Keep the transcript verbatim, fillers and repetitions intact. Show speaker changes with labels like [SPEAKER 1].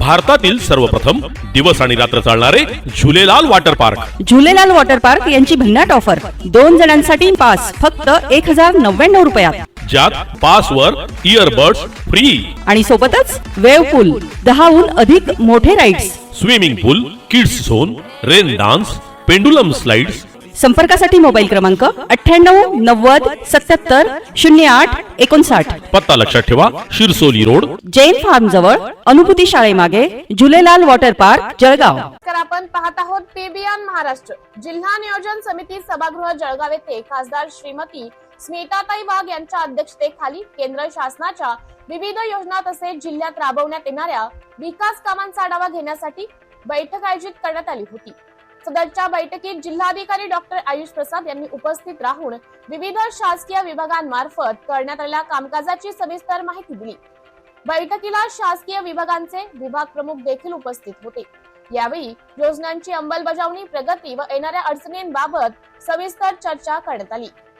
[SPEAKER 1] भारतातील सर्वप्रथम दिवस आणि रात्र चालणारे Jhulelal water park.
[SPEAKER 2] Jhulelal water park यांची भन्नाट ऑफर. दोन जणांसाठी पास फक्त एक हजार नव्याण्णव रुपयात,
[SPEAKER 1] ज्यात पास वर इयरबड्स फ्री
[SPEAKER 2] आणि सोबतच वेव्ह पूल, दहाहून अधिक मोठे rides,
[SPEAKER 1] swimming pool, kids zone, rain dance, pendulum slides.
[SPEAKER 2] संपर्कासाठी मोबाईल क्रमांक अठ्ठ्याण्णव नव्वद सत्याहत्तर शून्य आठ एकोणसाठ.
[SPEAKER 1] पत्ता लक्षात ठेवा, शिरसोली रोड,
[SPEAKER 2] जैन फार्म जवळ, अनुभूती शाळेमागे, झुलेलाल वॉटर पार्क, जळगाव.
[SPEAKER 3] तर आपण पाहत आहोत पीबीएन महाराष्ट्र. जिल्हा नियोजन समिती सभागृह जळगाव येथे खासदार श्रीमती स्मिताताई वाघ यांच्या अध्यक्षतेखाली केंद्र शासनाच्या विविध योजना तसेच जिल्ह्यात राबवण्यात येणाऱ्या विकास कामांचा आढावा घेण्यासाठी बैठक आयोजित करण्यात आली होती. सदरच्या बैठकीत जिल्हाधिकारी डॉक्टर आयुष प्रसाद यांनी उपस्थित राहून विविध शासकीय विभागांमार्फत करण्यात आलेल्या कामकाजाची सविस्तर माहिती दिली. बैठकीला शासकीय विभागांचे विभाग प्रमुख देखील उपस्थित होते. यावेळी योजनांची अंमलबजावणी, प्रगती व येणाऱ्या अडचणींबाबत सविस्तर चर्चा करण्यात आली.